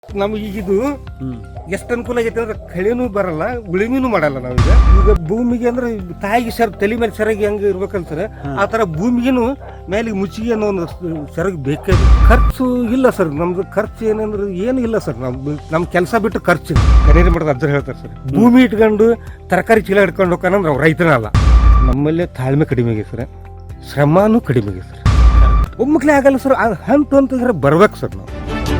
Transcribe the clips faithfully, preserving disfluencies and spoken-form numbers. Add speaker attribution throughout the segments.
Speaker 1: ನಮ್ಗೆ ಈಗ ಇದು ಎಷ್ಟು ಅನುಕೂಲ ಆಗೈತೆ ಅಂದ್ರೆ ಕಳೆನೂ ಬರಲ್ಲ, ಉಳಿಮೆನೂ ಮಾಡಲ್ಲ. ನಾವೀಗ ಈಗ ಭೂಮಿಗೆ ಅಂದ್ರೆ ತಾಯಿಗೆ ಸರ್ ತಲೆ ಮೇಲೆ ಸೆರಗಿ ಹೆಂಗೆ ಇರ್ಬೇಕಂತಾರೆ ಆ ಥರ ಭೂಮಿಗೇನು ಮೇಲೆ ಮುಚ್ಚಿಗೆ ಅನ್ನೋ ಒಂದು ಸೆರಗಿ ಬೇಕೇ. ಖರ್ಚು ಇಲ್ಲ ಸರ್, ನಮ್ದು ಖರ್ಚು ಏನಂದ್ರೆ ಏನು ಇಲ್ಲ ಸರ್. ನಮ್ದು ನಮ್ಮ ಕೆಲಸ ಬಿಟ್ಟು ಖರ್ಚು ಕನೇರಿ ಮಾಡೋದು ಅದ್ರ ಹೇಳ್ತಾರೆ ಸರ್. ಭೂಮಿ ಇಟ್ಕೊಂಡು ತರಕಾರಿ ಚೀಲ ಹಿಡ್ಕೊಂಡು ಹೋಗೋಣ ನಾವು ರೈತನ ಅಲ್ಲ. ನಮ್ಮಲ್ಲೇ ತಾಳ್ಮೆ ಕಡಿಮೆ ಆಗಿದೆ ಸರ್, ಶ್ರಮನೂ ಕಡಿಮೆ ಆಗಿದೆ ಸರ್. ಒಮ್ಮಕ್ಲೇ ಆಗಲ್ಲ ಸರ್, ಹಂತ ಅಂತಂದ್ರೆ ಬರ್ಬೇಕು ಸರ್. ನಾವು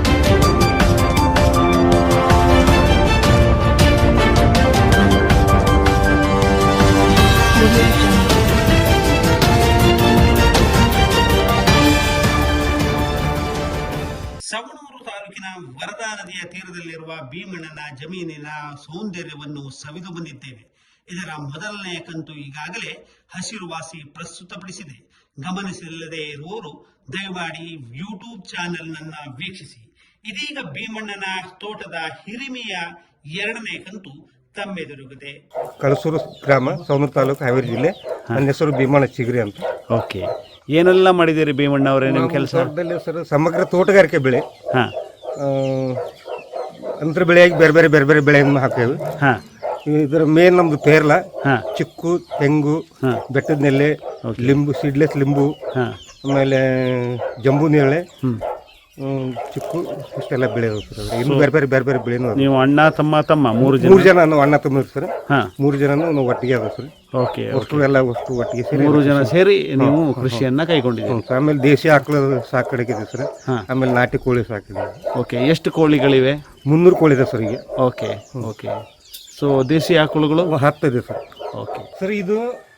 Speaker 2: ಸವಣೂರು ತಾಲೂಕಿನ ವರದಾ ನದಿಯ ತೀರದಲ್ಲಿರುವ ಭೀಮಣ್ಣನ ಜಮೀನಿನ ಸೌಂದರ್ಯವನ್ನು ಸವಿದು ಬಂದಿದ್ದೇವೆ. ಇದರ ಮೊದಲನೆಯ ಕಂತು ಈಗಾಗಲೇ ಹಸಿರುವಾಸಿ ಪ್ರಸ್ತುತಪಡಿಸಿದೆ. ಗಮನಿಸಿಲ್ಲದೆ ಇರುವವರು ದಯಮಾಡಿ ಯೂಟ್ಯೂಬ್ ಚಾನೆಲ್ ನನ್ನ ವೀಕ್ಷಿಸಿ. ಇದೀಗ ಭೀಮಣ್ಣನ ತೋಟದ ಹಿರಿಮೆಯ ಎರಡನೇ ಕಂತು ತಮ್ಮೆದುರುಗಿದೆ.
Speaker 1: ಕಳಸೂರು ಗ್ರಾಮ, ಸವಣೂರು ತಾಲೂಕು, ಹಾವೇರಿ ಜಿಲ್ಲೆ. ನನ್ನ ಹೆಸರು ಭೀಮಣ್ಣ ಚಿಗರಿ ಅಂತ.
Speaker 3: ಓಕೆ, ಏನೆಲ್ಲ ಮಾಡಿದ್ದೀರಿ ಭೀಮಣ್ಣ ಅವರೇ ನಿಮ್ಮ ಕೆಲಸ?
Speaker 1: ತೋಟದಲ್ಲಿ ಸರ್ ಸಮಗ್ರ ತೋಟಗಾರಿಕೆ ಬೆಳೆ,
Speaker 3: ಹಾಂ,
Speaker 1: ಅಂತರ ಬೆಳೆಯಾಗಿ ಬೇರೆ ಬೇರೆ ಬೇರೆ ಬೇರೆ ಬೆಳೆಯನ್ನು ಹಾಕೇವೆ.
Speaker 3: ಹಾಂ,
Speaker 1: ಇದರ ಮೇನ್ ನಮ್ದು ಪೇರ್ಲ,
Speaker 3: ಹಾಂ,
Speaker 1: ಚಿಕ್ಕು, ತೆಂಗು,
Speaker 3: ಹಾಂ,
Speaker 1: ಬೆಟ್ಟದ ನೆಲೆ, ಲಿಂಬು, ಸೀಡ್ಲೆಸ್ ಲಿಂಬು,
Speaker 3: ಹಾಂ,
Speaker 1: ಆಮೇಲೆ ಜಂಬೂ ನೇರಳೆ,
Speaker 3: ಹ್ಞೂ,
Speaker 1: ಚಿಕ್ಕು, ಇಷ್ಟೆಲ್ಲ ಬೆಳೆ ಸರ್. ಇನ್ನು ಬೇರೆ ಬೇರೆ ಬೇರೆ ಬೇರೆ ಬೆಳೆನು.
Speaker 3: ನೀವು ಅಣ್ಣ ತಮ್ಮ ತಮ್ಮ ಮೂರು ಜನ
Speaker 1: ಮೂರು ಜನ ನಾವು ಅಣ್ಣ ತಮ್ಮ ಸರ್.
Speaker 3: ಹಾಂ,
Speaker 1: ಮೂರು ಜನನು ನಾವು ಒಟ್ಟಿಗೆ ಅದ ಸರ್.
Speaker 3: ಓಕೆ,
Speaker 1: ಅಷ್ಟು ಎಲ್ಲ ವಸ್ತು ಒಟ್ಟಿಗೆ ಸೇರಿ
Speaker 3: ಮೂರು ಜನ ಸೇರಿ ನೀವು ಕೃಷಿಯನ್ನ ಕೈಗೊಂಡಿದ್ದೀರಿ.
Speaker 1: ಆಮೇಲೆ ದೇಶಿ ಆಕಳ ಸಾಕಾಣಿಕೆ ಸರ್. ಆಮೇಲೆ ನಾಟಿ ಕೋಳಿ ಸಾಕಿದೆ.
Speaker 3: ಓಕೆ, ಎಷ್ಟು ಕೋಳಿಗಳಿವೆ?
Speaker 1: ಮುನ್ನೂರು ಕೋಳಿ ಇದೆ ಸರ್ ಈಗ.
Speaker 3: ಓಕೆ ಓಕೆ ಸೊ ದೇಶಿ ಆಕಳುಗಳು
Speaker 1: ಹತ್ತು ಇದೆ ಸರ್.
Speaker 3: ಓಕೆ
Speaker 1: ಸರ್, ಇದು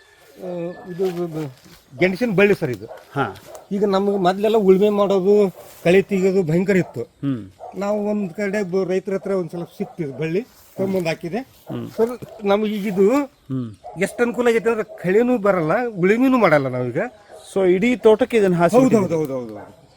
Speaker 1: ಇದು ಗೆಣಸಿನ ಬಳ್ಳಿ ಸರ್ ಇದು.
Speaker 3: ಹಾಂ,
Speaker 1: ಈಗ ನಮಗೆ ಮೊದಲೆಲ್ಲ ಉಳುಮೆ ಮಾಡೋದು, ಕಳೆ ತೆಗೆಯೋದು ಭಯಂಕರ ಇತ್ತು.
Speaker 3: ಹ್ಞೂ,
Speaker 1: ನಾವು ಒಂದು ಕಡೆ ರೈತರ ಹತ್ರ ಒಂದು ಸ್ವಲ್ಪ ಸಿಕ್ತಿದ್ದು ಬಳ್ಳಿ ತೊಗೊಂಬಂದು ಹಾಕಿದೆ ಸರ್. ನಮಗೆ ಈಗಿದು ಎಷ್ಟು ಅನುಕೂಲ ಆಗೈತೆ ಅಂದ್ರೆ ಕಳೆನೂ ಬರಲ್ಲ, ಉಳುಮೆನೂ ಮಾಡಲ್ಲ ನಾವೀಗ.
Speaker 3: ಸೊ ಇಡೀ ತೋಟಕ್ಕೆ ಇದನ್ನು ಹಾಕಿ.
Speaker 1: ಹೌದು ಹೌದು ಹೌದು ಹೌದು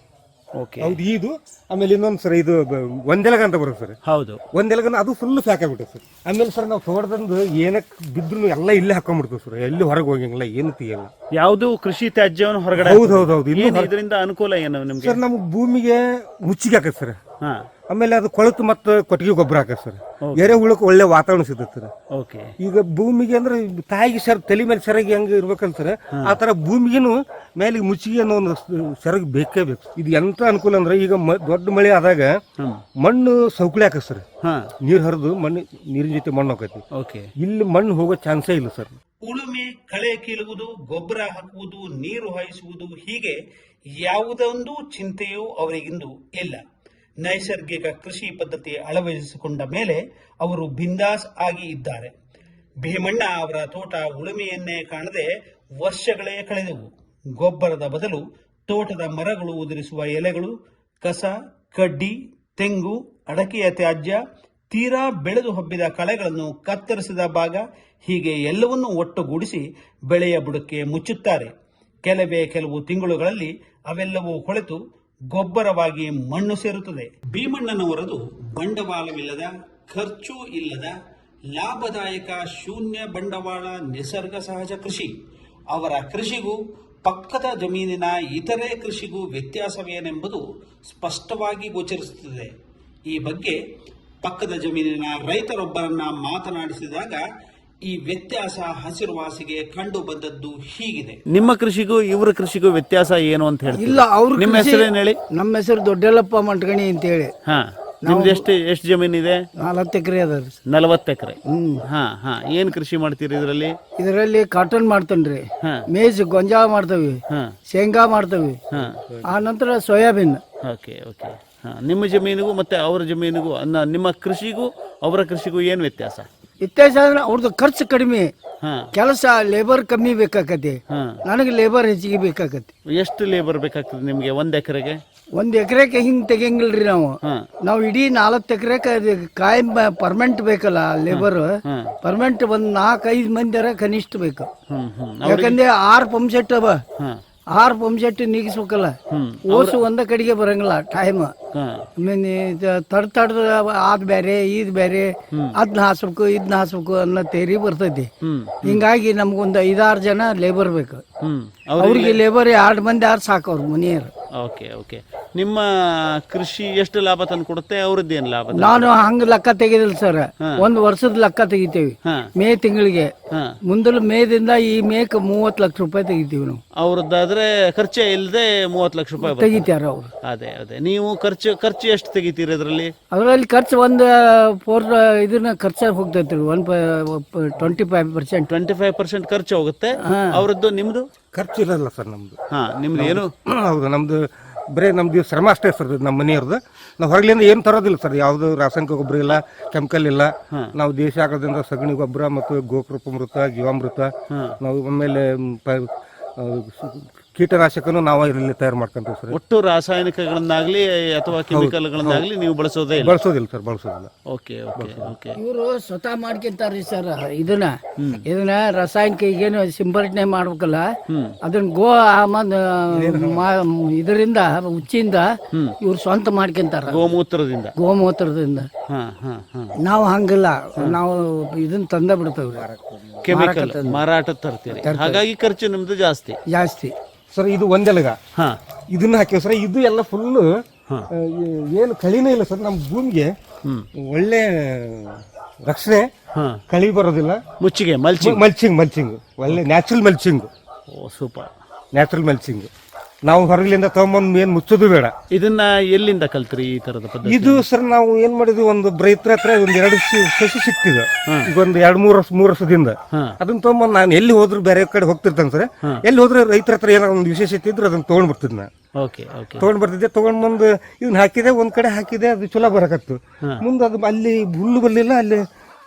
Speaker 3: ಓಕೆ,
Speaker 1: ಹೌದು. ಇದು ಆಮೇಲೆ ಇನ್ನೊಂದು ಸರ್, ಇದು ಒಂದೆಲಗ ಅಂತ ಬರುತ್ತೆ ಸರ್.
Speaker 3: ಹೌದು,
Speaker 1: ಒಂದೆಲಗನ ಅದು ಫುಲ್ ಫ್ಯಾಕ್ ಆಗ್ಬಿಟ್ಟೆ ಸರ್. ಆಮೇಲೆ ಸರ್ ನಾವು ತೋಟದಂದು ಏನಕ್ಕೆ ಬಿದ್ರು ಎಲ್ಲ ಇಲ್ಲೇ ಹಾಕೊಂಡ್ಬಿಡ್ತೀವಿ ಸರ್. ಎಲ್ಲಿ ಹೊರಗೆ ಹೋಗಂಗಿಲ್ಲ, ಏನು ತೆಗಿಯಲ್ಲ.
Speaker 3: ಯಾವುದು ಕೃಷಿ ತ್ಯಾಜ್ಯವನ್ನು ಹೊರಗಡೆ.
Speaker 1: ಹೌದು ಹೌದು ಹೌದು.
Speaker 3: ಇದರಿಂದ ಅನುಕೂಲ ಏನು ನಿಮ್ಗೆ?
Speaker 1: ಸರ್ ನಮ್ಗೆ ಭೂಮಿಗೆ ಮುಚ್ಚಿಗೆ ಹಾಕತ್ತೆ ಸರ್.
Speaker 3: ಹಾಂ,
Speaker 1: ಆಮೇಲೆ ಅದು ಕೊಳತು ಮತ್ತು ಕೊಟ್ಟಿಗೆ ಗೊಬ್ಬರ ಹಾಕತ್ತೆ ಸರ್. ಎರೆಹುಳಕ್ಕೆ ಒಳ್ಳೆ ವಾತಾವರಣ ಸಿಗುತ್ತೆ ಸರ್.
Speaker 3: ಓಕೆ,
Speaker 1: ಈಗ ಭೂಮಿಗೆ ಅಂದ್ರೆ ತಾಯಿಗೆ ಸರ್ ತಲೆ ಮೇಲೆ ಸೆರಗಿ ಹೆಂಗೆ ಇರ್ಬೇಕಂತಾರೆ ಆ ಥರ ಭೂಮಿಗೇನು ಮೇಲೆ ಮುಚ್ಚಿಗೆ ಅನ್ನೋ ಒಂದು ಸೆರಗಿ ಬೇಕೇ ಬೇಕು. ಇದು ಎಂತ ಅನುಕೂಲ ಅಂದ್ರೆ ಈಗ ದೊಡ್ಡ ಮಳೆ ಆದಾಗ ಮಣ್ಣು ಸೌಕಳಿ ಹಾಕತ್ತೆ ಸರ್. ನೀರು ಹರಿದು ಮಣ್ಣು ನೀರಿನ ಜೊತೆ ಮಣ್ಣು ಹೋಗೈತಿ.
Speaker 3: ಓಕೆ,
Speaker 1: ಇಲ್ಲಿ ಮಣ್ಣು ಹೋಗೋ ಚಾನ್ಸೇ ಇಲ್ಲ ಸರ್.
Speaker 2: ಉಳುಮೆ, ಕಳೆ ಕೀಳುವುದು, ಗೊಬ್ಬರ ಹಾಕುವುದು, ನೀರು ಹಾಯಿಸುವುದು, ಹೀಗೆ ಯಾವುದೊಂದು ಚಿಂತೆಯೂ ಅವರಿಗಿಂದು ಇಲ್ಲ. ನೈಸರ್ಗಿಕ ಕೃಷಿ ಪದ್ಧತಿ ಅಳವಡಿಸಿಕೊಂಡ ಮೇಲೆ ಅವರು ಬಿಂದಾಸ್ ಆಗಿ ಇದ್ದಾರೆ. ಭೀಮಣ್ಣ ಅವರ ತೋಟ ಉಳುಮೆಯನ್ನೇ ಕಾಣದೆ ವರ್ಷಗಳೇ ಕಳೆದವು. ಗೊಬ್ಬರದ ಬದಲು ತೋಟದ ಮರಗಳು ಉದುರಿಸುವ ಎಲೆಗಳು, ಕಸ, ಕಡ್ಡಿ, ತೆಂಗು, ಅಡಕೆಯ ತ್ಯಾಜ್ಯ, ತೀರಾ ಬೆಳೆದು ಹಬ್ಬಿದ ಕಳೆಗಳನ್ನು ಕತ್ತರಿಸಿದ ಭಾಗ, ಹೀಗೆ ಎಲ್ಲವನ್ನೂ ಒಟ್ಟುಗೂಡಿಸಿ ಬೆಳೆಯ ಬುಡಕ್ಕೆ ಮುಚ್ಚುತ್ತಾರೆ. ಕೆಲವೇ ಕೆಲವು ತಿಂಗಳುಗಳಲ್ಲಿ ಅವೆಲ್ಲವೂ ಕೊಳೆತು ಗೊಬ್ಬರವಾಗಿ ಮಣ್ಣು ಸೇರುತ್ತದೆ. ಭೀಮಣ್ಣನವರದು ಬಂಡವಾಳವಿಲ್ಲದ, ಖರ್ಚು ಇಲ್ಲದ, ಲಾಭದಾಯಕ, ಶೂನ್ಯ ಬಂಡವಾಳ, ನಿಸರ್ಗ ಸಹಜ ಕೃಷಿ. ಅವರ ಕೃಷಿಗೂ ಪಕ್ಕದ ಜಮೀನಿನ ಇತರೆ ಕೃಷಿಗೂ ವ್ಯತ್ಯಾಸವೇನೆಂಬುದು ಸ್ಪಷ್ಟವಾಗಿ ಗೋಚರಿಸುತ್ತದೆ. ಈ ಬಗ್ಗೆ ಪಕ್ಕದ ಜಮೀನಿನ ರೈತರೊಬ್ಬರನ್ನ ಮಾತನಾಡಿಸಿದಾಗ ಈ ವ್ಯತ್ಯಾಸ ಹಸಿರುವಾಸಿಗೆ ಕಂಡು ಬಂದದ್ದು ಹೀಗಿದೆ.
Speaker 3: ನಿಮ್ಮ ಕೃಷಿಗೂ ಇವರ ಕೃಷಿಗೂ ವ್ಯತ್ಯಾಸ ಏನು ಅಂತ ಹೇಳಿ?
Speaker 4: ಇಲ್ಲ, ಅವ್ರ
Speaker 3: ನಿಮ್ಮ ಹೆಸರೇನು ಹೇಳಿ?
Speaker 4: ನಮ್ಮ ಹೆಸರು ದೊಡ್ಡಲ್ಲಪ್ಪ ಮಂಟಗಣಿ ಅಂತ ಹೇಳಿ.
Speaker 3: ಹಾ, ನಿಮ್ದು ಎಷ್ಟು ಎಷ್ಟು ಜಮೀನಿದೆ?
Speaker 4: ನಾಲ್ವತ್ತು ಎಕರೆ ಅದ ರೀ.
Speaker 3: ನಲವತ್ತು ಎಕರೆ. ಹಾ ಹಾ ಏನ್ ಕೃಷಿ ಮಾಡ್ತೀರಿ ಇದರಲ್ಲಿ?
Speaker 4: ಇದರಲ್ಲಿ ಕಾಟನ್ ಮಾಡ್ತೇನ್ರಿ, ಮೇಜ್ ಗೊಂಜಾಳ ಮಾಡ್ತೇವಿ, ಶೇಂಗಾ ಮಾಡ್ತೇವಿ, ಆ ನಂತರ ಸೋಯಾಬೀನ್.
Speaker 3: ಓಕೆ ಓಕೆ ಹಾ, ನಿಮ್ಮ ಜಮೀನಿಗೂ ಮತ್ತೆ ಅವರ ಜಮೀನಿಗೂ, ನಿಮ್ಮ ಕೃಷಿಗೂ ಅವರ ಕೃಷಿಗೂ ಏನ್ ವ್ಯತ್ಯಾಸ?
Speaker 4: ವ್ಯತ್ಯಾಸ ಅಂದ್ರೆ ಅವ್ರದ್ದು ಖರ್ಚು ಕಡಿಮೆ, ಕೆಲಸ ಲೇಬರ್ ಕಮ್ಮಿ ಬೇಕಾಕತಿ, ನನಗೆ ಲೇಬರ್ ಹೆಚ್ಚಿಗೆ ಬೇಕಾಕತಿ.
Speaker 3: ಎಷ್ಟು ಲೇಬರ್ ಬೇಕಾಗ್ತದೆ ನಿಮ್ಗೆ ಒಂದ್ ಎಕರೆಗೆ?
Speaker 4: ಒಂದ್ ಎಕರೆಗೆ ಹಿಂಗ್ ತೆಗಿಯಂಗಿಲ್ರಿ ನಾವು. ನಾವು ಇಡೀ ನಾಲ್ಕು ಎಕರೆಗೆ ಕಾಯಂ ಪರ್ಮನೆಂಟ್ ಬೇಕಲ್ಲ ಲೇಬರ್. ಪರ್ಮನೆಂಟ್ ಒಂದ್ ನಾಲ್ಕು ಐದು ಮಂದಿ ಕನಿಷ್ಠ ಬೇಕು. ಯಾಕಂದ್ರೆ ಆರ್ ಪಂಪ್ ಸೆಟ್ ಅವ, ಆರ್ ಪಂಪ್ ಸೆಟ್ ನೀಗಿಸ್ಬೇಕಲ್ಲ. ಓಸು ಒಂದ ಕಡೆಗೆ ಬರಂಗಿಲ್ಲ ಟೈಮ್. ತಡ್ ತಡ್ದ ಅದ್ ಬೇರೆ ಇದ್ ಬೇರೆ, ಅದ್ನ ಹಾಸ್ಬೇಕು ಇದ್ನ ಹಾಸ್ಬೇಕು ಅನ್ನೋ ತೇರಿ ಬರ್ತೈತಿ. ಹಿಂಗಾಗಿ ನಮ್ಗೊಂದ್ ಐದಾರು ಜನ ಲೇಬರ್ ಬೇಕು. ಅವ್ರಿಗೆ ಲೇಬರ್ ಎರಡ್ ಮಂದಿ ಆರ್ ಸಾಕು ಅವ್ರ ಮನೆಯವ್ರು.
Speaker 3: ಓಕೆ ಓಕೆ ನಿಮ್ಮ ಕೃಷಿ ಎಷ್ಟು ಲಾಭ ತಂದು ಕೊಡುತ್ತೆ, ಅವ್ರದ್ದು ಏನು ಲಾಭ?
Speaker 4: ನಾನು ಹಂಗ ಲೆಕ್ಕ ತೆಗೆದಿಲ್ಲ ಸರ್, ಒಂದು ವರ್ಷದ ಲೆಕ್ಕ ತೆಗಿತೀವಿ ಮೇ ತಿಂಗಳಿಗೆ. ಮುಂದಲು ಮೇದಿಂದ ಈ ಮೇಕ್ ಮೂವತ್ತು ಲಕ್ಷ ರೂಪಾಯಿ ತೆಗಿತೀವಿ ನಾವು.
Speaker 3: ಅವ್ರದ್ದಾದ್ರೆ ಖರ್ಚೆ ಇಲ್ಲದೆ ಮೂವತ್ತು ಲಕ್ಷ ರೂಪಾಯಿ
Speaker 4: ತೆಗಿತಾರ ಅವ್ರು.
Speaker 3: ಅದೇ ಅದೇ ನೀವು ಖರ್ಚು ಖರ್ಚು ಎಷ್ಟು ತೆಗಿತೀರಿ ಅದರಲ್ಲಿ?
Speaker 4: ಅದರಲ್ಲಿ ಖರ್ಚು ಒಂದು ಫೋರ್ ಇದನ್ನ ಖರ್ಚು ಹೋಗ್ತೈತಿ one twenty five percent
Speaker 3: twenty five percent ಖರ್ಚು ಹೋಗುತ್ತೆ. ಅವ್ರದ್ದು ನಿಮ್ದು
Speaker 1: ಖರ್ಚು ಇರಲ್ಲ ಸರ್ ನಮ್ದು.
Speaker 3: ಹಾ ನಿಮ್ದು ಏನು?
Speaker 1: ಹೌದು, ನಮ್ದು ಬರೀ ನಮ್ದು ಶ್ರಮ ಅಷ್ಟೇ ಸರ್. ನಮ್ಮ ಮನೆಯವ್ರದ್ದು ನಾವು ಹೊರಗಲಿಂದ ಏನು ತರೋದಿಲ್ಲ ಸರ್. ಯಾವುದು ರಾಸಾಯನಿಕ ಗೊಬ್ಬರ ಇಲ್ಲ, ಕೆಮಿಕಲ್ ಇಲ್ಲ. ನಾವು ದೇಶ ಆಗೋದ್ರಿಂದ ಸಗಣಿ ಗೊಬ್ಬರ ಮತ್ತು ಗೋಕೃಪಾಮೃತ, ಜೀವಾಮೃತ, ನಾವು ಆಮೇಲೆ ಕೀಟನಾಶಕನು ನಾವು ಇಲ್ಲಿ ತಯಾರು ಮಾಡ್ಕೊಂತೀವಿ ಸರ್.
Speaker 3: ಒಟ್ಟು ರಾಸಾಯನಿಕಗಳನ್ನಾಗ್ಲಿ ಅಥವಾ ಕೆಮಿಕಲ್ಗಳನ್ನಾಗ್ಲಿ ನೀವು ಬಳಸೋದೇ ಇಲ್ಲ?
Speaker 1: ಬಳಸೋದಿಲ್ಲ ಸರ್, ಬಳಸೋದಿಲ್ಲ.
Speaker 3: Okay okay okay.
Speaker 4: ಇವರು ಸ್ವತಃ ಮಾಡ್ಕೊಂತಾರ್ರಿ ಸರ್. ಇದನ್ನ ಇದನ್ನ ರಾಸಾಯನಿಕ ಈಗೇನು ಸಿಂಪರಣೆ ಮಾಡ್ಬೇಕಲ್ಲ, ಅದನ್ನ ಗೋ ಇದರಿಂದ ಉಚ್ಚಿಂದ ಇವ್ರು ಸ್ವಂತ ಮಾಡ್ಕೊಂತಾರ,
Speaker 3: ಗೋಮೂತ್ರದಿಂದ.
Speaker 4: ಗೋಮೂತ್ರದಿಂದ ನಾವು ಹಂಗಿಲ್ಲ, ನಾವು ಇದನ್ನ ತಂದ ಬಿಡ್ತೇವ್ರಿ,
Speaker 3: ಕೆಮಿಕಲ್ ಮಾರಾಟ ತರ್ತೀರಿ. ಹಾಗಾಗಿ ಖರ್ಚು ನಿಮ್ದು ಜಾಸ್ತಿ
Speaker 4: ಜಾಸ್ತಿ
Speaker 1: ಸರ್. ಇದು ಒಂದೆಲಗ ಇದನ್ನ ಹಾಕಿವ್ ಸರ್. ಇದು ಎಲ್ಲ ಫುಲ್ಲು ಏನು ಕಳಿನೇ ಇಲ್ಲ ಸರ್. ನಮ್ಮ ಭೂಮಿಗೆ ಒಳ್ಳೆ ರಕ್ಷಣೆ, ಕಳಿ ಬರೋದಿಲ್ಲ.
Speaker 3: ಮುಚ್ಚಿಗೆ ಮಲ್ಚಿಂಗ್
Speaker 1: ಮಲ್ಚಿಂಗ್ ಮಲ್ಚಿಂಗ್ ಒಳ್ಳೆ ನ್ಯಾಚುರಲ್ ಮಲ್ಚಿಂಗ್.
Speaker 3: ಓ ಸೂಪರ್,
Speaker 1: ನ್ಯಾಚುರಲ್ ಮಲ್ಚಿಂಗ್. ನಾವು ಹೊರಗಲಿಂದ ತಗೊಂಬಂದು ಏನು ಮುಚ್ಚೋದು ಬೇಡ.
Speaker 3: ಇದನ್ನ ಎಲ್ಲಿಂದ ಕಲ್ತ್ರಿ ಈ ತರದ ಪದ್ಧತಿ?
Speaker 1: ಇದು ಸರ್ ನಾವು ಏನ್ ಮಾಡಿದ್ವಿ, ಒಂದು ರೈತರ ಹತ್ರ ಒಂದ್ ಎರಡು ಸಸಿ ಸಿಕ್ತಿದೆ ಈಗ ಒಂದು ಎರಡು ಮೂರು ವರ್ಷ ಮೂರು ವರ್ಷದಿಂದ. ಅದನ್ನ ತಗೊಂಬಂದು ನಾನು ಎಲ್ಲಿ ಹೋದ್ರು ಬೇರೆ ಕಡೆ ಹೋಗ್ತಿರ್ತಾನೆ ಸರ್. ಎಲ್ಲಿ ಹೋದ್ರೆ ರೈತರ ಹತ್ರ ಏನೋ ಒಂದು ವಿಶೇಷತೆ ಇದ್ರೆ ಅದನ್ನ ತಗೊಂಡ್ ಬರ್ತಿದ್ ನಾ ತಗೊಂಡ್ ಬರ್ತಿದ್ದೆ. ತಗೊಂಡ್ ಬಂದು ಇದನ್ನ ಹಾಕಿದೆ, ಒಂದ್ ಕಡೆ ಹಾಕಿದೆ, ಅದು ಚಲೋ ಬರಕತ್ತು. ಮುಂದೆ ಅದು ಅಲ್ಲಿ ಹುಲ್ಲು ಬರ್ಲಿಲ್ಲ, ಅಲ್ಲಿ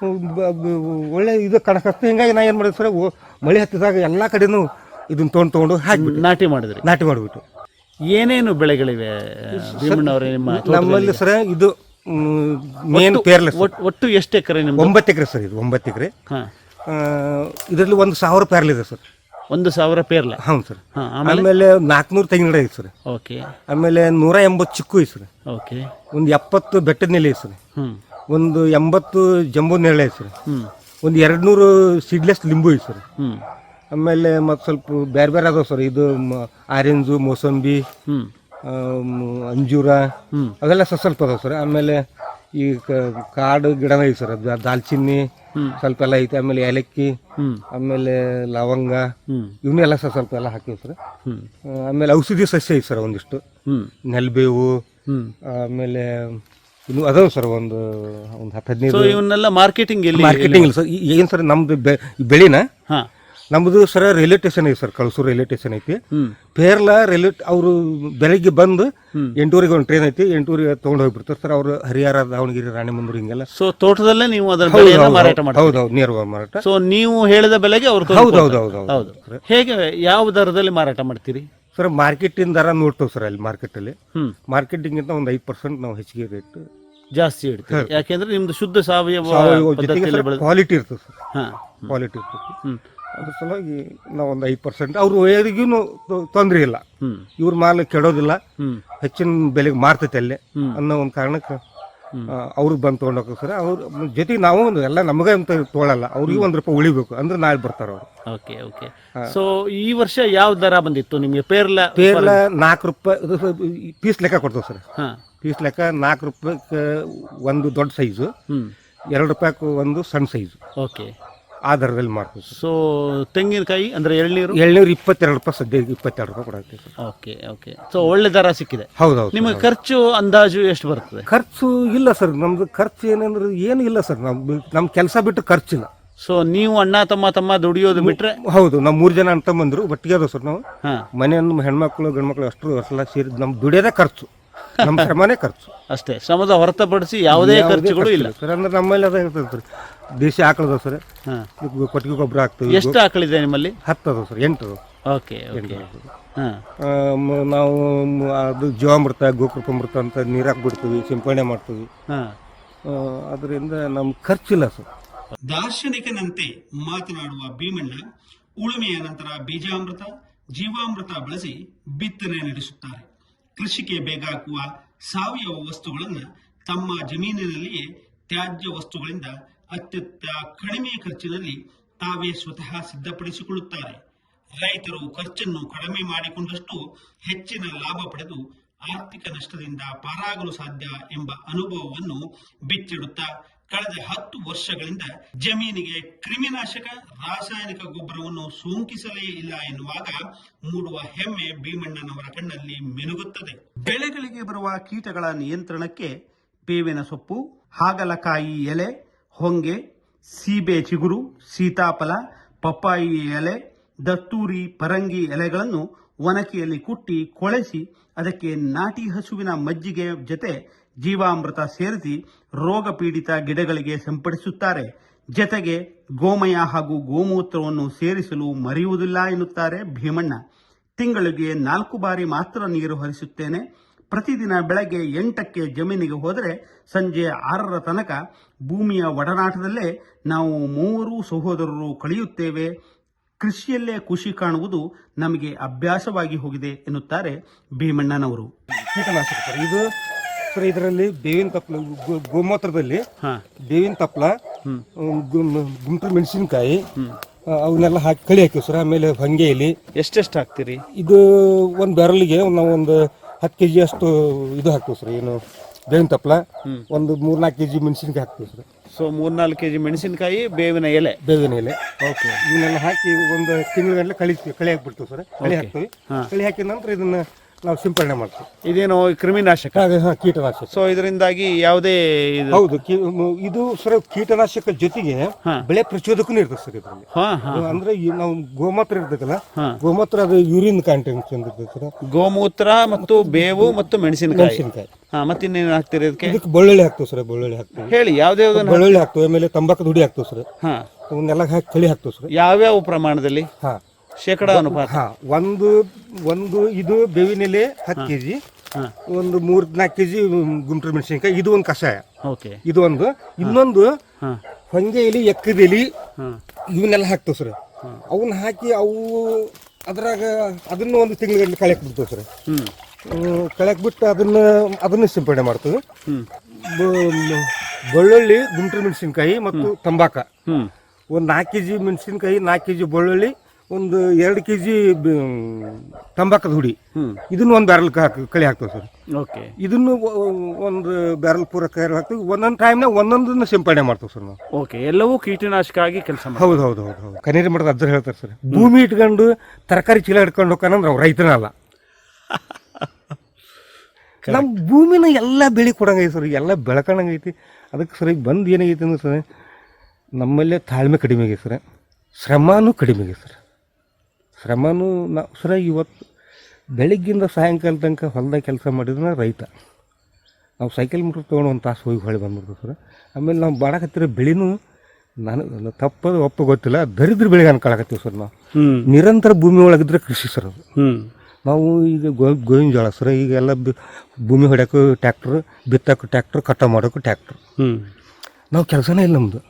Speaker 1: ಒಳ್ಳೆ ಇದು ಕಣಕತ್ತು. ಹಿಂಗಾಗಿ ನಾ ಏನ್ ಮಾಡಿದೆ ಸರ್, ಮಳೆ ಹತ್ತಿದಾಗ ಎಲ್ಲಾ ಕಡೆನೂ ಇದನ್ನ ತೊಗೊಂಡು ತಗೊಂಡು ಹಾಕಿಬಿಟ್ಟು ನಾಟಿ ಮಾಡಿದ್ರಿ. ನಾಟಿ ಮಾಡಿಬಿಟ್ಟು
Speaker 3: ಏನೇನು ಬೆಳೆಗಳಿವೆ ಭೀಮಣ್ಣವರೇ ನಿಮ್ಮ
Speaker 1: ನಮ್ಮಲ್ಲಿ ಸರ್? ಇದು ಮೇನ್ ಪೇರ್ಲೆಸ್.
Speaker 3: ಒಟ್ಟು ಎಷ್ಟು ಎಕರೆ ನಿಮ್ದು?
Speaker 1: ಒಂಬತ್ತು ಎಕರೆ ಸರ್. ಇದು ಒಂಬತ್ತು ಎಕರೆ. ಇದರಲ್ಲಿ ಒಂದು ಸಾವಿರ ಪೇರ್ಲೆ ಇದೆ ಸರ್.
Speaker 3: ಒಂದು ಸಾವಿರ ಪೇರ್ಲೆ?
Speaker 1: ಹೌದು ಸರ್. ಆಮೇಲೆ ನಾಲ್ಕುನೂರು ತೆಂಗಿನ ಗಿಡ ಐತೆ ಸರ್.
Speaker 3: ಓಕೆ. ಆಮೇಲೆ
Speaker 1: ನೂರ ಎಂಬತ್ತು ಚಿಕ್ಕು ಐತೆ ಸರ್.
Speaker 3: ಓಕೆ.
Speaker 1: ಒಂದು ಎಪ್ಪತ್ತು ಬೆಟ್ಟದ ನೆಲೆ ಐತೆ ಸರ್. ಒಂದು ಎಂಬತ್ತು ಜಂಬೂ ನೇರಳೆ ಐತೆ ಸರ್. ಒಂದು ಎರಡು ನೂರು ಸೀಡ್ಲೆಸ್ ಲಿಂಬು ಐತೆ ಸರ್. ಆಮೇಲೆ ಮತ್ತು ಸ್ವಲ್ಪ ಬೇರೆ ಬೇರೆ ಅದಾವ ಸರ್. ಇದು ಆರೆಂಜು, ಮೋಸಂಬಿ, ಅಂಜೂರ ಅವೆಲ್ಲ ಸ್ವಲ್ಪ ಸ್ವಲ್ಪ ಅದಾವ ಸರ್. ಆಮೇಲೆ ಈ ಕಾಡು ಗಿಡನ ಐತೆ ಸರ್. ದಾಲ್ಚಿನ್ನಿ ಸ್ವಲ್ಪ ಎಲ್ಲ ಐತೆ. ಆಮೇಲೆ ಏಲಕ್ಕಿ, ಆಮೇಲೆ ಲವಂಗ, ಇವನ್ನೆಲ್ಲ ಸ್ವಲ್ಪ ಸ್ವಲ್ಪ ಎಲ್ಲ ಹಾಕಿವಿ ಸರ್. ಆಮೇಲೆ ಔಷಧಿ ಸಸ್ಯ ಐತೆ ಸರ್ ಒಂದಿಷ್ಟು, ನೆಲ್ಬೇವು, ಆಮೇಲೆ ಇನ್ನು ಅದಾವ ಸರ್ ಒಂದು ಒಂದು ಹತ್ತು ಹದಿನೈದು.
Speaker 3: ಇವನ್ನೆಲ್ಲ ಮಾರ್ಕೆಟಿಂಗ್
Speaker 1: ಮಾರ್ಕೆಟಿಂಗ್ ಇಲ್ಲ ಸರ್. ಏನು ಸರ್ ನಮ್ದು ಬೆಳಿನ ನಮ್ದು ಸರ್ ರೈಲ್ವೆ ಸ್ಟೇಷನ್ ಐತಿ ಸರ್, ಕಳಸೂರು ರೈಲ್ವೆ ಸ್ಟೇಷನ್ ಐತಿ. ಪೇರ್ಲ ರೈಲ್ವೆ ಅವರು ಬೆಳಗ್ಗೆ ಬಂದು ಎಂಟೂವರೆಗೆ ಒಂದು ಟ್ರೈನ್ ಐತಿ, ಎಂಟೂವರೆಗೆ ತಗೊಂಡು ಹೋಗ್ಬಿಡ್ತಾರೆ ಸರ್. ಅವರು ಹರಿಹರ, ದಾವಣಗೆರೆ, ರಾಣೆಬೆನ್ನೂರು ಹಿಂಗೆಲ್ಲ.
Speaker 3: ಸೊ ತೋಟದಲ್ಲೇ ನೀವು ಅದರ ಮಾರಾಟ ಮಾಡ್ತೀರಿ?
Speaker 1: ಹೌದೌದು, ನೇರವಾಗಿ ಮಾರಾಟ.
Speaker 3: ಸೊ ನೀವು ಹೇಳಿದ ಬೆಲೆಗೆ ಅವರು?
Speaker 1: ಹೌದು ಹೌದು ಹೌದು ಹೌದು.
Speaker 3: ಹೇಗೆ, ಯಾವ ದರದಲ್ಲಿ ಮಾರಾಟ ಮಾಡ್ತೀರಿ
Speaker 1: ಸರ್? ಮಾರ್ಕೆಟಿನ ದರ ನೋಡ್ತೇವೆ ಸರ್. ಅಲ್ಲಿ ಮಾರ್ಕೆಟಲ್ಲಿ ಮಾರ್ಕೆಟಿಂಗಿಂತ ಒಂದು ಐದು ಪರ್ಸೆಂಟ್ ನಾವು ಹೆಚ್ಚಿಗೆ ರೇಟ್
Speaker 3: ಜಾಸ್ತಿ ಇಡ್ತೀವಿ. ಯಾಕೆಂದ್ರೆ ನಿಮ್ದು ಶುದ್ಧ ಸಾವಯವ
Speaker 1: ಕ್ವಾಲಿಟಿ ಇರ್ತದೆ ಸರ್. ಕ್ವಾಲಿಟಿ ಇರ್ತದೆ. ಅದ್ರ ಸಲುವಾಗಿ ನಾವು ಒಂದು ಐದು ಪರ್ಸೆಂಟ್ ಅವ್ರು ಯಾರಿಗೂ ತೊಂದರೆ ಇಲ್ಲ. ಇವ್ರ ಮಾಲ್ ಕೆಡೋದಿಲ್ಲ, ಹೆಚ್ಚಿನ ಬೆಲೆಗೆ ಮಾರ್ತೈತೆ ಅಲ್ಲೇ ಅನ್ನೋ ಒಂದು ಕಾರಣಕ್ಕೆ ಅವ್ರಿಗೆ ಬಂದು ತೊಗೊಂಡು ಹೋಗ್ತಾರೆ ಸರ್. ಅವ್ರ ಜೊತೆಗೆ ನಾವು ಒಂದು ಎಲ್ಲ ನಮಗೆ ಅಂತ ತೊಗೊಳಲ್ಲ, ಅವ್ರಿಗೆ ಒಂದು ರೂಪಾಯಿ ಉಳಿಬೇಕು ಅಂದ್ರೆ ನಾಳೆ ಬರ್ತಾರೆ ಅವರು.
Speaker 3: Okay okay. ಸೊ ಈ ವರ್ಷ ಯಾವ ದರ ಬಂದಿತ್ತು ನಿಮಗೆ? ಪೇರ್ಲ
Speaker 1: ಪೇರ್ಲ ನಾಲ್ಕು ರೂಪಾಯಿ ಪೀಸ್ ಲೆಕ್ಕ ಕೊಡ್ತೇವೆ ಸರ್. ಪೀಸ್ ಲೆಕ್ಕ ನಾಲ್ಕು ರೂಪಾಯಿ ಒಂದು ದೊಡ್ಡ ಸೈಜು, ಎರಡು ರೂಪಾಯಿ ಒಂದು ಸಣ್ಣ ಸೈಜು.
Speaker 3: ಓಕೆ.
Speaker 1: ಆ ದರದಲ್ಲಿ ಮಾಡ್ತೀವಿ.
Speaker 3: ಸೊ ತೆಂಗಿನಕಾಯಿ ಅಂದ್ರೆ ಎಳ್ನೀರು?
Speaker 1: ಎಳ್ನೀರು ಇಪ್ಪತ್ತೆರಡು ರೂಪಾಯಿ ಸದ್ಯ ಇಪ್ಪತ್ತೆರಡು ರೂಪಾಯಿ ಕೊಡಾಗ್ತೀವಿ.
Speaker 3: Okay okay. ಸೊ ಒಳ್ಳೆ ದರ ಸಿಕ್ಕಿದೆ.
Speaker 1: ಹೌದೌದು.
Speaker 3: ನಿಮಗೆ ಖರ್ಚು ಅಂದಾಜು ಎಷ್ಟು ಬರ್ತದೆ?
Speaker 1: ಖರ್ಚು ಇಲ್ಲ ಸರ್, ನಮ್ದು ಖರ್ಚು ಏನಂದ್ರೆ ಏನು ಇಲ್ಲ ಸರ್. ನಮ್ ನಮ್ಮ ಕೆಲಸ ಬಿಟ್ಟು ಖರ್ಚಿಲ್ಲ.
Speaker 3: ಸೊ ನೀವು ಅಣ್ಣ ತಮ್ಮ ತಮ್ಮ ದುಡಿಯೋದು ಬಿಟ್ರೆ?
Speaker 1: ಹೌದು, ನಾವು ಮೂರು ಜನ ಅಂತ ಬಂದ್ರು ಒಟ್ಟಿಗೆ ಅದ ಸರ್. ನಾವು ಮನೆಯನ್ನು ಹೆಣ್ಮಕ್ಳು ಗಂಡ್ಮಕ್ಳು ಅಷ್ಟು ಎಲ್ಲ ಸೇರಿ ನಮ್ ದುಡಿಯೋದೇ ಖರ್ಚು, ನಮ್ಮ ಶ್ರಮನೇ ಖರ್ಚು
Speaker 3: ಅಷ್ಟೇ. ಶ್ರಮದ ಹೊರತುಪಡಿಸಿ ಯಾವುದೇ ಖರ್ಚುಗಳು ಇಲ್ಲ ಸರ್.
Speaker 1: ಅಂದ್ರೆ ನಮ್ಮಲ್ಲಿ ಅದ ಇರ್ತದೆ ಸರ್. ದೇಶಿ ಆಕಳದ ಸರ್, ಕೊಟ್ಟಿಗೆ ಗೊಬ್ಬರ ಹಾಕ್ತೀವಿ.
Speaker 3: ಎಷ್ಟು ಆಕಳಿದೆ ನಿಮ್ಮಲ್ಲಿ?
Speaker 1: ಹತ್ತು ಅದ ಸರ್, ಎಂಟು.
Speaker 3: ಓಕೆ.
Speaker 1: ನಾವು ಅದು ಜೀವಾಮೃತ, ಗೋಕೃಪಾಮೃತ ಅಂತ ನೀರಾಕ್ ಬಿಡ್ತೀವಿ, ಸಿಂಪಡಣೆ ಮಾಡ್ತೀವಿ. ಅದರಿಂದ ನಮ್ಗೆ ಖರ್ಚಿಲ್ಲ ಸರ್.
Speaker 2: ದಾರ್ಶನಿಕನಂತೆ ಮಾತನಾಡುವ ಭೀಮಣ್ಣ ಉಳುಮೆಯ ನಂತರ ಬೀಜಾಮೃತ, ಜೀವಾಮೃತ ಬಳಸಿ ಬಿತ್ತನೆ ನಡೆಸುತ್ತಾರೆ. ಕೃಷಿಗೆ ಬೇಕಾಗುವ ಸಾವಯವ ವಸ್ತುಗಳನ್ನು ತಮ್ಮ ಜಮೀನಿನಲ್ಲಿಯೇ ತ್ಯಾಜ್ಯ ವಸ್ತುಗಳಿಂದ ಅತ್ಯಂತ ಕಡಿಮೆ ಖರ್ಚಿನಲ್ಲಿ ತಾವೇ ಸ್ವತಃ ಸಿದ್ಧಪಡಿಸಿಕೊಳ್ಳುತ್ತಾರೆ. ರೈತರು ಖರ್ಚನ್ನು ಕಡಿಮೆ ಮಾಡಿಕೊಂಡಷ್ಟು ಹೆಚ್ಚಿನ ಲಾಭ ಪಡೆದು ಆರ್ಥಿಕ ನಷ್ಟದಿಂದ ಪಾರಾಗಲು ಸಾಧ್ಯ ಎಂಬ ಅನುಭವವನ್ನು ಬಿಚ್ಚಿಡುತ್ತಾ ಕಳೆದ ಹತ್ತು ವರ್ಷಗಳಿಂದ ಜಮೀನಿಗೆ ಕ್ರಿಮಿನಾಶಕ ರಾಸಾಯನಿಕ ಗೊಬ್ಬರವನ್ನು ಸೋಂಕಿಸಲೇ ಇಲ್ಲ ಎನ್ನುವಾಗ ಮೂಡುವ ಹೆಮ್ಮೆ ಭೀಮಣ್ಣನವರ ಕಣ್ಣಲ್ಲಿ ಮಿನುಗುತ್ತದೆ. ಬೆಳೆಗಳಿಗೆ ಬರುವ ಕೀಟಗಳ ನಿಯಂತ್ರಣಕ್ಕೆ ಬೇವಿನ ಸೊಪ್ಪು, ಹಾಗಲಕಾಯಿ ಎಲೆ, ಹೊಂಗೆ, ಸೀಬೆ ಚಿಗುರು, ಸೀತಾಫಲ, ಪಪ್ಪಾಯಿ ಎಲೆ, ದತ್ತೂರಿ, ಪರಂಗಿ ಎಲೆಗಳನ್ನು ಒನಕೆಯಲ್ಲಿ ಕುಟ್ಟಿ ಕೊಳೆಸಿ ಅದಕ್ಕೆ ನಾಟಿ ಹಸುವಿನ ಮಜ್ಜಿಗೆ ಜೊತೆ ಜೀವಾಮೃತ ಸೇರಿಸಿ ರೋಗ ಪೀಡಿತ ಗಿಡಗಳಿಗೆ ಸಿಂಪಡಿಸುತ್ತಾರೆ. ಜತೆಗೆ ಗೋಮಯ ಹಾಗೂ ಗೋಮೂತ್ರವನ್ನು ಸೇರಿಸಲು ಮರೆಯುವುದಿಲ್ಲ ಎನ್ನುತ್ತಾರೆ ಭೀಮಣ್ಣ. ತಿಂಗಳಿಗೆ ನಾಲ್ಕು ಬಾರಿ ಮಾತ್ರ ನೀರು ಹರಿಸುತ್ತೇನೆ. ಪ್ರತಿದಿನ ಬೆಳಗ್ಗೆ ಎಂಟಕ್ಕೆ ಜಮೀನಿಗೆ ಹೋದರೆ ಸಂಜೆ ಆರರ ತನಕ ಭೂಮಿಯ ಒಡನಾಟದಲ್ಲೇ ನಾವು ಮೂವರು ಸಹೋದರರು ಕಳೆಯುತ್ತೇವೆ. ಕೃಷಿಯಲ್ಲೇ ಖುಷಿ ಕಾಣುವುದು ನಮಗೆ ಅಭ್ಯಾಸವಾಗಿ ಹೋಗಿದೆ ಎನ್ನುತ್ತಾರೆ ಭೀಮಣ್ಣನವರು.
Speaker 1: ಕೀಟನಾಶಕ ಸರ್ ಇದು ಸರ್, ಇದರಲ್ಲಿ ಬೇವಿನ ತಪ್ಪಲ, ಗೋಮೂತ್ರದಲ್ಲಿ ಬೇವಿನ ತಪ್ಪಲ, ಗುಂಟೂರು ಮೆಣಸಿನಕಾಯಿ ಅವನ್ನೆಲ್ಲ ಹಾಕಿ ಕಳಿ ಹಾಕಿವಿ ಸರ್. ಆಮೇಲೆ ಹೊಂಗೆ ಎಲೆ.
Speaker 3: ಎಷ್ಟೆಷ್ಟು ಹಾಕ್ತೀರಿ?
Speaker 1: ಇದು ಒಂದು ಬ್ಯಾರಲ್ಗೆ ನಾವು ಒಂದು ಹತ್ತು ಕೆ ಜಿ ಅಷ್ಟು ಇದು ಹಾಕ್ತೀವಿ ಸರ್. ಏನು ಬೇವಿನ ತಪ್ಪಲ, ಒಂದು ಮೂರ್ನಾಲ್ಕು ಕೆ ಜಿ ಮೆಣಸಿನಕಾಯಿ ಹಾಕ್ತೀವಿ ಸರ್.
Speaker 3: ಸೊ ಮೂರ್ನಾಲ್ಕು ಕೆ ಜಿ ಮೆಣಸಿನಕಾಯಿ, ಬೇವಿನ ಎಲೆ
Speaker 1: ಬೇವಿನ ಎಲೆ ಓಕೆ ಇವನ್ನೆಲ್ಲ ಹಾಕಿ ಒಂದು ತಿಂಗಳ ಕಳಿ ಕಳಿ ಹಾಕ್ಬಿಡ್ತೀವಿ ಸರ್. ಕಳಿ ಹಾಕ್ತೀವಿ. ಕಳಿ ಹಾಕಿದ ನಂತರ ಇದನ್ನ ನಾವು ಸಿಂಪಡಣೆ ಮಾಡ್ತೀವಿ.
Speaker 3: ಇದೇನೋ ಕ್ರಿಮಿನಾಶಕ,
Speaker 1: ಹಾಂ ಕೀಟನಾಶಕ.
Speaker 3: ಸೊ ಇದರಿಂದಾಗಿ ಯಾವುದೇ
Speaker 1: ಹೌದು ಇದು ಸರ್ ಕೀಟನಾಶಕ ಜೊತೆಗೆ ಬೆಳೆ ಪ್ರಚೋದಕನೂ ಇರ್ತದೆ ಸರ್ ಇದರಲ್ಲಿ. ಅಂದ್ರೆ ನಾವು ಗೋಮೂತ್ರ ಇರ್ತದಲ್ಲ, ಗೋಮೂತ್ರ ಅದು ಯೂರಿನ್ ಕಂಟೆಂಟ್ ಇರ್ತದೆ ಸರ್.
Speaker 3: ಗೋಮೂತ್ರ ಮತ್ತು ಬೇವು ಮತ್ತು ಮೆಣಸಿನಕಾಯಿ.
Speaker 1: ಮೆಣಸಿನಕಾಯಿ
Speaker 3: ಹಾ ಮತ್ತೆ ಇನ್ನೇನು ಹಾಕ್ತೀರಿ ಇದಕ್ಕೆ?
Speaker 1: ಇದಕ್ಕೆ ಬೆಳ್ಳುಳ್ಳಿ ಹಾಕ್ತೀವಿ ಸರ್. ಬೆಳ್ಳುಳ್ಳಿ ಹಾಕ್ತೀವಿ.
Speaker 3: ಹೇಳಿ ಯಾವ್ದು ಯಾವ್ದು?
Speaker 1: ಬೆಳ್ಳುಳ್ಳಿ ಹಾಕ್ತೀವಿ, ಆಮೇಲೆ ತಂಬಾಕು ದುಡಿ ಹಾಕ್ತೀವಿ ಸರ್.
Speaker 3: ಹಾ
Speaker 1: ಅವನ್ನೆಲ್ಲ ಹಾಕಿ ಕಳಿ ಹಾಕ್ತೀವಿ ಸರ್.
Speaker 3: ಯಾವ್ಯಾವ ಪ್ರಮಾಣದಲ್ಲಿ?
Speaker 1: ಹಾ
Speaker 3: ಶೇಕಡ ಅನುಪಾತ?
Speaker 1: ಹಾ ಒಂದು ಒಂದು ಇದು ಬೇವಿನ ಎಲೆ ಹತ್ತು ಕೆಜಿ, ಒಂದು ಮೂರ್ ನಾಲ್ಕು ಕೆಜಿ ಗುಂಟೂರು ಮೆಣಸಿನಕಾಯಿ, ಇದು ಒಂದು ಕಷಾಯ.
Speaker 3: ಓಕೆ
Speaker 1: ಇದು ಒಂದು. ಇನ್ನೊಂದು ಹೊಂಗೆ ಎಲೆ, ಎಕ್ಕದ ಎಲೆ ಇವನ್ನೆಲ್ಲ ಹಾಕ್ತೇವೆ ಸರ್. ಅವನ್ನ ಹಾಕಿ ಅವು ಅದ್ರಾಗ ಅದನ್ನ ಒಂದು ತಿಂಗಳ ಕಳೆಯಕ್ ಬಿಡ್ತೇವೆ ಸರ್. ಕಳೆಯಕ್ ಬಿಟ್ಟು ಅದನ್ನ ಅದನ್ನ ಸಿಂಪಡಣೆ ಮಾಡ್ತೇವೆ. ಬೆಳ್ಳುಳ್ಳಿ, ಗುಂಟೂರು ಮೆಣಸಿನಕಾಯಿ ಮತ್ತು ತಂಬಾಕ, ಒಂದು ನಾಲ್ಕು ಕೆಜಿ ಮೆಣಸಿನಕಾಯಿ, ನಾಲ್ಕು ಕೆಜಿ ಬೆಳ್ಳುಳ್ಳಿ, ಒಂದು ಎರಡು ಕೆ ಜಿ ತಂಬಾಕದ ಹುಡಿ, ಇದನ್ನು ಒಂದು ಬ್ಯಾರಲ್ ಕಳಿ ಹಾಕ್ತೇವೆ ಸರ್.
Speaker 3: ಓಕೆ
Speaker 1: ಇದನ್ನು ಒಂದು ಬ್ಯಾರಲ್ ಪೂರ ಕೈ ಹಾಕ್ತೀವಿ. ಒಂದೊಂದು ಟೈಮ್ನಾಗ ಒಂದೊಂದನ್ನ ಸಿಂಪಡಣೆ ಮಾಡ್ತೇವೆ ಸರ್ ನಾವು.
Speaker 3: ಓಕೆ ಎಲ್ಲವೂ ಕೀಟನಾಶಕ ಆಗಿ ಕೆಲಸ ಮಾಡಿ.
Speaker 1: ಹೌದು ಹೌದು ಹೌದು ಹೌದು ಕನೇರಿ ಮಠದ ಅಜ್ಜರು ಹೇಳ್ತಾರೆ ಸರ್, ಭೂಮಿ ಇಟ್ಕೊಂಡು ತರಕಾರಿ ಚೀಲ ಹಿಡ್ಕೊಂಡು ಹೋಗ್ಕಂದ್ರೆ ಅವ್ರು ರೈತನ ಅಲ್ಲ. ನಮ್ಮ ಭೂಮಿನ ಎಲ್ಲ ಬೆಳೆ ಕೊಡಂಗೈತಿ ಸರ್, ಎಲ್ಲ ಬೆಳ್ಕೊಂಡಂಗೈತಿ. ಅದಕ್ಕೆ ಸರ್ ಈಗ ಬಂದು ಏನಾಗೈತಿ ಅಂದ್ರೆ ಸರ್, ನಮ್ಮಲ್ಲೇ ತಾಳ್ಮೆ ಕಡಿಮೆ ಆಗೈತೆ ಸರ್, ಶ್ರಮನೂ ಕಡಿಮೆ ಆಗೈತೆ ಸರ್. ಶ್ರಮನೂ ನಾವು ಸರ ಇವತ್ತು ಬೆಳಗ್ಗಿಂದ ಸಾಯಂಕಾಲ ತನಕ ಹೊಲದಾಗ ಕೆಲಸ ಮಾಡಿದ್ರೆ ರೈತ. ನಾವು ಸೈಕಲ್ ಮೀಟ್ರ್ ತೊಗೊಂಡು ಒಂದು ತಾಸು ಹೋಗಿ ಹೊಳೆ ಬಂದ್ಬಿಡ್ತೀವಿ ಸರ್. ಆಮೇಲೆ ನಾವು ಬಾಡಕತ್ತಿರೋ ಬೆಳೆನೂ ನಾನು ತಪ್ಪದು ಒಪ್ಪ ಗೊತ್ತಿಲ್ಲ, ದರಿದ್ರ ಬೆಳೆಗೆ ಅನ್ಕೊಳಕತ್ತೀವಿ ಸರ್. ನಾವು ನಿರಂತರ ಭೂಮಿ ಒಳಗಿದ್ರೆ ಕೃಷಿ ಸರ್ ಅದು. ನಾವು ಈಗ ಗೋ ಗೋವಿನ ಜೋಳ ಸರ್, ಈಗೆಲ್ಲ ಭೂಮಿ ಹೊಡ್ಯೋಕ್ಕೂ ಟ್ಯಾಕ್ಟ್ರ್, ಬಿತ್ತೋಕ್ಕೂ ಟ್ಯಾಕ್ಟ್ರ್, ಕಟಾವು ಮಾಡೋಕ್ಕೂ ಟ್ಯಾಕ್ಟ್ರ್. ನಾವು ಕೆಲಸನೇ ಇಲ್ಲ ನಮ್ಮದು.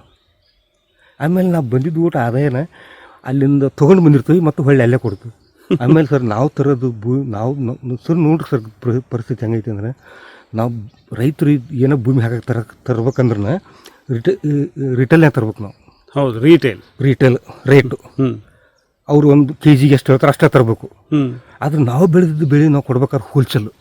Speaker 1: ಆಮೇಲೆ ನಾವು ಬಂದಿದ್ದು ಊಟ ಆದಾಯನ ಅಲ್ಲಿಂದ ತೊಗೊಂಡು ಬಂದಿರ್ತೀವಿ ಮತ್ತು ಹೊಳ್ಳಿ ಅಲ್ಲೇ ಕೊಡ್ತೀವಿ. ಆಮೇಲೆ ಸರ್ ನಾವು ತರೋದು ಭೂ ನಾವು ಸರ್ ನೋಡ್ರಿ ಸರ್ ಪರಿಸ್ಥಿತಿ ಹೆಂಗೈತಿ ಅಂದ್ರೆ, ನಾವು ರೈತರು ಏನೋ ಭೂಮಿ ಹಾಕಕ್ಕೆ ತರ ತರ್ಬೇಕಂದ್ರೆ ರಿಟೇ ರಿಟೇಲ್ನಾಗ ತರ್ಬೇಕು ನಾವು.
Speaker 3: ಹೌದು ರೀಟೇಲ್
Speaker 1: ರೀಟೇಲ್ ರೇಟು ಅವ್ರು ಒಂದು ಕೆ ಜಿಗೆ ಎಷ್ಟು ಹೇಳ್ತಾರೆ ಅಷ್ಟೇ ತರಬೇಕು. ಆದ್ರೆ ನಾವು ಬೆಳೆದಿದ್ದು ಬೆಳೆ ನಾವು ಕೊಡ್ಬೇಕಾದ್ರೆ ಹೋಲ್ಸೇಲು.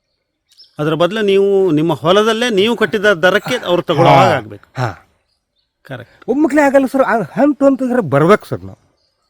Speaker 3: ಅದರ ಬದಲು ನೀವು ನಿಮ್ಮ ಹೊಲದಲ್ಲೇ ನೀವು ಕಟ್ಟಿದ ದರಕ್ಕೆ ಅವ್ರು ತಗೊಳ್ಳೋ ಆಗಬೇಕು.
Speaker 1: ಹಾಂ
Speaker 3: ಕರೆಕ್ಟ್.
Speaker 1: ಒಮ್ಮಕ್ಲೇ ಆಗಲ್ಲ ಸರ್, ಹಂತ ಅಂತಂದ್ರೆ ಬರ್ಬೇಕು ಸರ್. ನಾವು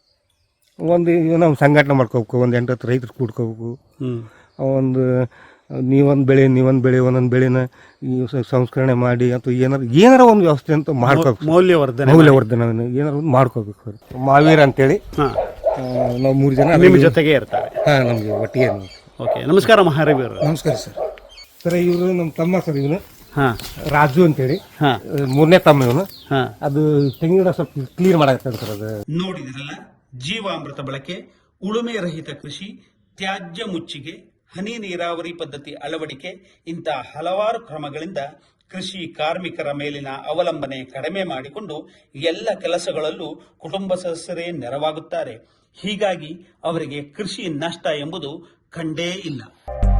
Speaker 1: ಒಂದು ನಾವು ಸಂಘಟನೆ ಮಾಡ್ಕೋಬೇಕು, ಒಂದು ಎಂಟು ಹತ್ತು ರೈತರು ಕೂಡ್ಕೋಬೇಕು. ಒಂದು ನೀವೊಂದು ಬೆಳೆ ನೀವೊಂದು ಬೆಳೆ ಒಂದೊಂದು ಬೆಳೆನ ಸಂಸ್ಕರಣೆ ಮಾಡಿ ಅಥವಾ ಏನಾರು ಏನಾರ ಒಂದು ವ್ಯವಸ್ಥೆ ಅಂತ ಮಾಡ್ಕೋಬೇಕು.
Speaker 3: ಮೌಲ್ಯವರ್ಧನೆ
Speaker 1: ಮೌಲ್ಯವರ್ಧನೆ ಏನಾರು ಒಂದು ಮಾಡ್ಕೋಬೇಕು ಸರ್. ಮಾವೀರ ಅಂತೇಳಿ ನಾವು ಮೂರು ಜನ
Speaker 3: ನಿಮ್ಮ ಜೊತೆಗೆ ಇರ್ತಾರೆ.
Speaker 1: ಹಾಂ ನಮಗೆ ಒಟ್ಟಿಗೆ.
Speaker 3: ಓಕೆ ನಮಸ್ಕಾರ ಮಹಾರವಿ ಅವರು.
Speaker 1: ನಮಸ್ಕಾರ ಸರ್. ಸರ್ ಇವರು ನಮ್ಮ ತಮ್ಮ ಸರ್, ಇವನು
Speaker 3: ಹಾಂ
Speaker 1: ರಾಜು ಅಂತೇಳಿ ಮೂರನೇ ತಮ್ಮ ಇವನು. ಅದು ತೆಂಗಿನ ಸ್ವಲ್ಪ ಕ್ಲೀನ್ ಮಾಡಾಕತ್ತಾನೆ ಸರ್. ಅದು
Speaker 2: ನೋಡಿದ್ರಲ್ಲ, ಜೀವಾಮೃತ ಬಳಕೆ, ಉಳುಮೆ ರಹಿತ ಕೃಷಿ, ತ್ಯಾಜ್ಯ ಮುಚ್ಚಿಗೆ, ಹನಿ ನೀರಾವರಿ ಪದ್ಧತಿ ಅಳವಡಿಕೆ ಇಂಥ ಹಲವಾರು ಕ್ರಮಗಳಿಂದ ಕೃಷಿ ಕಾರ್ಮಿಕರ ಮೇಲಿನ ಅವಲಂಬನೆ ಕಡಿಮೆ ಮಾಡಿಕೊಂಡು ಎಲ್ಲ ಕೆಲಸಗಳಲ್ಲೂ ಕುಟುಂಬ ಸದಸ್ಯರೇ ನೆರವಾಗುತ್ತಾರೆ. ಹೀಗಾಗಿ ಅವರಿಗೆ ಕೃಷಿ ನಷ್ಟ ಎಂಬುದು ಕಂಡೇ ಇಲ್ಲ.